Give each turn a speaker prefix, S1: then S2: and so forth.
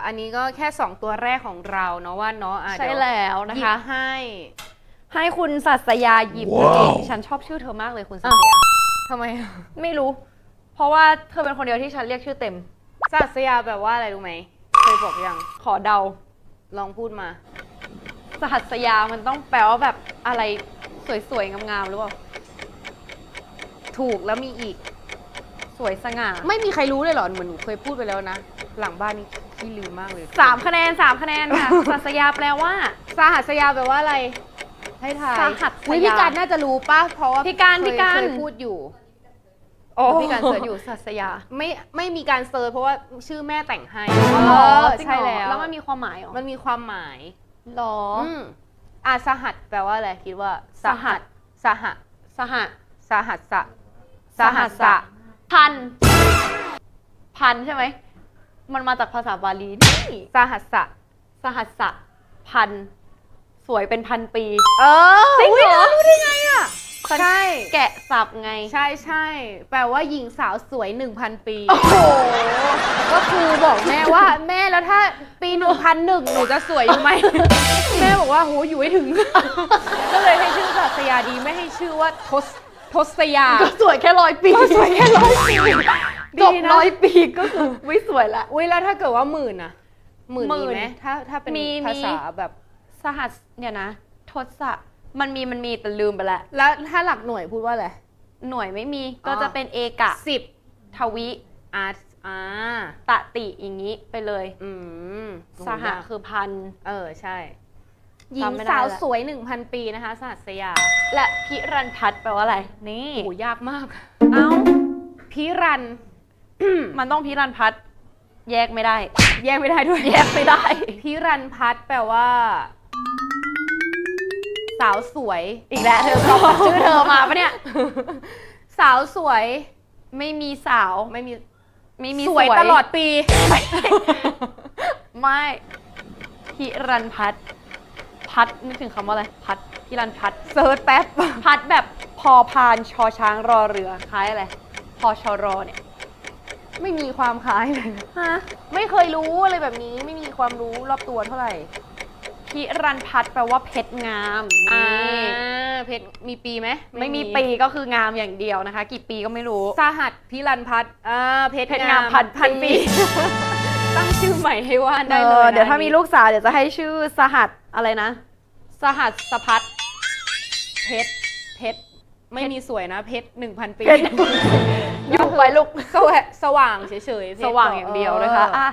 S1: อันนี้ก็แค่2ตัวแรกของเราเนาะว่าเนาะ
S2: ใช่แล้วนะคะ
S1: ให้
S2: คุณศัสยาหยิบเองฉันชอบชื่อเธอมากเลยคุณศัสยา
S1: ทำไม
S2: ไม่รู้ เพราะว่าเธอเป็นคนเดียวที่ฉันเรียกชื่อเต็ม
S1: ศัสยาแปลว่าอะไรรู้ไหมเคยบอกยัง
S2: ขอเดา
S1: ลองพูดมา
S2: ศัสยามันต้องแปลว่าแบบอะไรสวยๆงามๆหรือเปล่า
S1: ถูกแล้วมีอีก
S2: สวยสง่า
S1: ไม่มีใครรู้เลยเหรอเหมือนหนูเคยพูดไปแล้วนะหลังบ้านนี่ขี้ลืมมากเลย
S2: 3 คะแนน 3 คะแนนค่ะ ศัสยาแปลว่า
S1: สหัสยาแปลว่าอะไรให้ทาย
S2: สหัสยา
S1: อุ๊ยพี่การน่าจะรู้ป่ะเพราะว่า
S2: พี่การ
S1: เคยพูดอยู่
S2: โอ้พี่การเสิร์ชอยู่ศัสยา
S1: ไม่มีการเซิร์ชเพราะว่าชื่อแม่แต่งให้
S2: จริง
S1: ใช่
S2: เหรอ
S1: แล้ว
S2: แล้วมันมีความหมายเหรอ
S1: มันมีความหมาย
S2: หรอ
S1: สหัสแปลว่าอะไรคิดว่า สหัส
S2: สห
S1: สหัสสะ
S2: สหัสสะ พันใช่ไหม มันมาจากภาษาบาลีนี่
S1: สหัสสะ
S2: สหัสสะพัน สวยเป็นพันปี
S1: จริงเหรอรู้ได้ไงอ่ะใช่
S2: แกะสับไง
S1: ใช่แปลว่าหญิงสาวสวย 1,000 ปี
S2: โอ้โห
S1: ก็คือบอกแม่ว่าแม่แล้วถ้าปี 1,001 หนูจะสวยอยู่ไหม แม่บอกว่าโหอยู่ให้ถึง ก็เลยให้ชื่อศัสยาดีไม่ให้ชื่อว่าทศยา
S2: ก็สวยแค่100 ปี
S1: สวยแค่100 ปี
S2: จบ100 ปีก็คือไม่สวยละ
S1: อุ้ยแล้วถ้าเกิดว่าหมื่นอะหมื่น
S2: หมื่
S1: มี
S2: น
S1: ไหมถ้าเป็น
S2: มี
S1: ภาษาแบบ
S2: สหัสเนี่ยนะ ทศะมันมีแต่ลืมไปละ
S1: แล้วถ้าหลักหน่วยพูดว่าอะไร
S2: หน่วยไม่มี
S1: อ๋อ
S2: ก็จะเป็นเอกะ
S1: 10
S2: ทวิ
S1: อ่า
S2: ตะติอย่างนี้ไปเลย
S1: ม
S2: สหะคือพัน
S1: ใช่หญิง
S2: จำไม่ได้
S1: สาว
S2: ละ
S1: สวย 1,000 ปีนะคะสหัสยา
S2: และพิรันพัฒน์แปลว่าอะไร นี่
S1: โหยากมาก
S2: เอ้า
S1: พิรัน
S2: มันต้องพิรันพัฒน์แยกไม่ได้
S1: แยกไม่ได้ด้วย
S2: แยกไม่ได้
S1: พิรันพัฒน์แปลว่า สาวสวย
S2: อีกแล้วเธอตอบชื่อเธอมาปะเนี่ย
S1: สาวสวย
S2: ไม่มีสาว
S1: ไม่มี
S2: ไม่มี
S1: สวยตลอดปี
S2: ไม่พิรันพัฒน์พัฒน์นึกถึงคำว่าอะไร พัฒน์พิรันพัฒน์
S1: เซิร์ชแป๊บ
S2: พัฒน์แบบพอพานชอช้างรอเรือคล้ายอะไร พอชอรอเนี่ย
S1: ไม่มีความคล้ายเลย
S2: ฮะ
S1: ไม่เคยรู้อะไรแบบนี้ ไม่มีความรู้รอบตัวเท่าไหร่
S2: พิรันพัฒน์แปลว่าเพชรงามนี่
S1: เพชรมีปีไหม
S2: ไม่มีปีก็คืองามอย่างเดียวนะคะ กี่ปีก็ไม่รู้
S1: สหัสพิรันพัฒน์เพช
S2: เพชรงามพันปี
S1: ตั้งชื่อใหม่ให้ว่านได้เลยนะ
S2: เดี๋ยวถ้ามีลูกสาวเดี๋ยวจะให้ชื่อสหัสอะไรนะ สหัสพัฒน์
S1: เพชรไม่มีสวยนะเพชร 1,000 ปี
S2: เพชร อยู่ไปลูก
S1: สว่างเฉยๆเพชร
S2: สว่างอย่างเดียวนะคะอ่ะ